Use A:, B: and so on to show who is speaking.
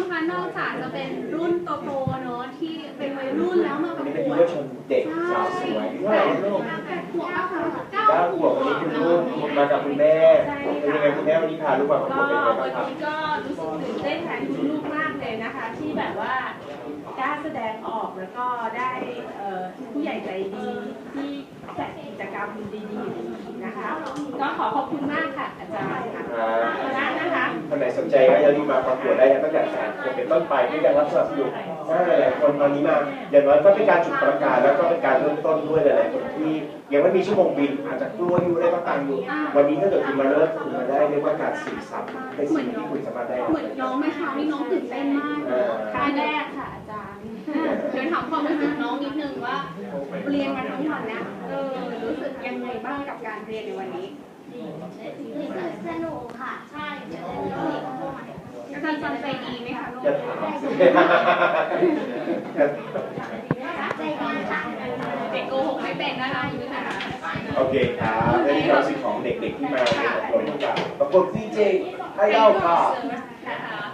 A: คะนอกจากจะเป็นรุ่นโตๆเนอะที่เป็นวัยรุ่นแล้วมาประกวด
B: เยาวชนเด็กสาวสวยเท่าไหร่ลูก
A: 8 ขวบอะค่ะ
B: 9 ขวบวันนี้คุณลูกมากับคุณแม่เป็นยังไงคุณแม่วันนี้พาลูกมาประกวดเป็นยังไงบ้างครับ
C: วันนี้ก็รู้สึกตื่นเต้นแทนคุณลูกมากเลยนะคะ ที่แบบว่ากล้าแสดงออกแล้วก็ได้ผู้ใหญ่ใจดีที่จัดกิจกรรมดีๆนะคะ ก็ขอบคุณมากค่ะอาจารย์ค่ะนะคะ
B: คนไหนสนใจก็อย่าลืมมาประกวดได้นะตั้งแต่จะเป็นต้นไปด้วยการรับสมัครอยู่หลายคนตอนนี้มาอย่างน้อยก็เป็นการจุดประกาศแล้วก็เป็นการเริ่มต้นด้วยหลายๆคนที่ยังไม่มีชั่วโมงบินอาจจะกลัวอยู่ได้ก็ตามอยู่วันนี้ถ้าเกิดคุณมาเริ่มคุณมาได้เรียกว่าการสื่อสารในสิ่งที่คุณสามารถได้
A: เหมือนน้องไหมคะนี่น้องตื่นเต้นมากครั้งแรกค่ะอาจารย์เดี๋ยวถามความรู้สึกน้องนิดนึงว่าเรียนมาทั้งวันนะรู้สึกยังไงบ้างกับการเรียนในวันนี้
D: รู้สึกสนุกค่ะใช่เดี๋ยวเราเรียนเข้ามา
A: อาจารย์จันใจดีไหมคะลูก
B: จะถาม
D: ใจดีค่ะ
A: เด็กโกหกไม่เป็นนะคะคุณผู้ชมค่ะ
B: โอเคครับและนี่คือสิ่งของเด็กๆที่มาอบรมกับประกวดซีเจไอดอลค่ะ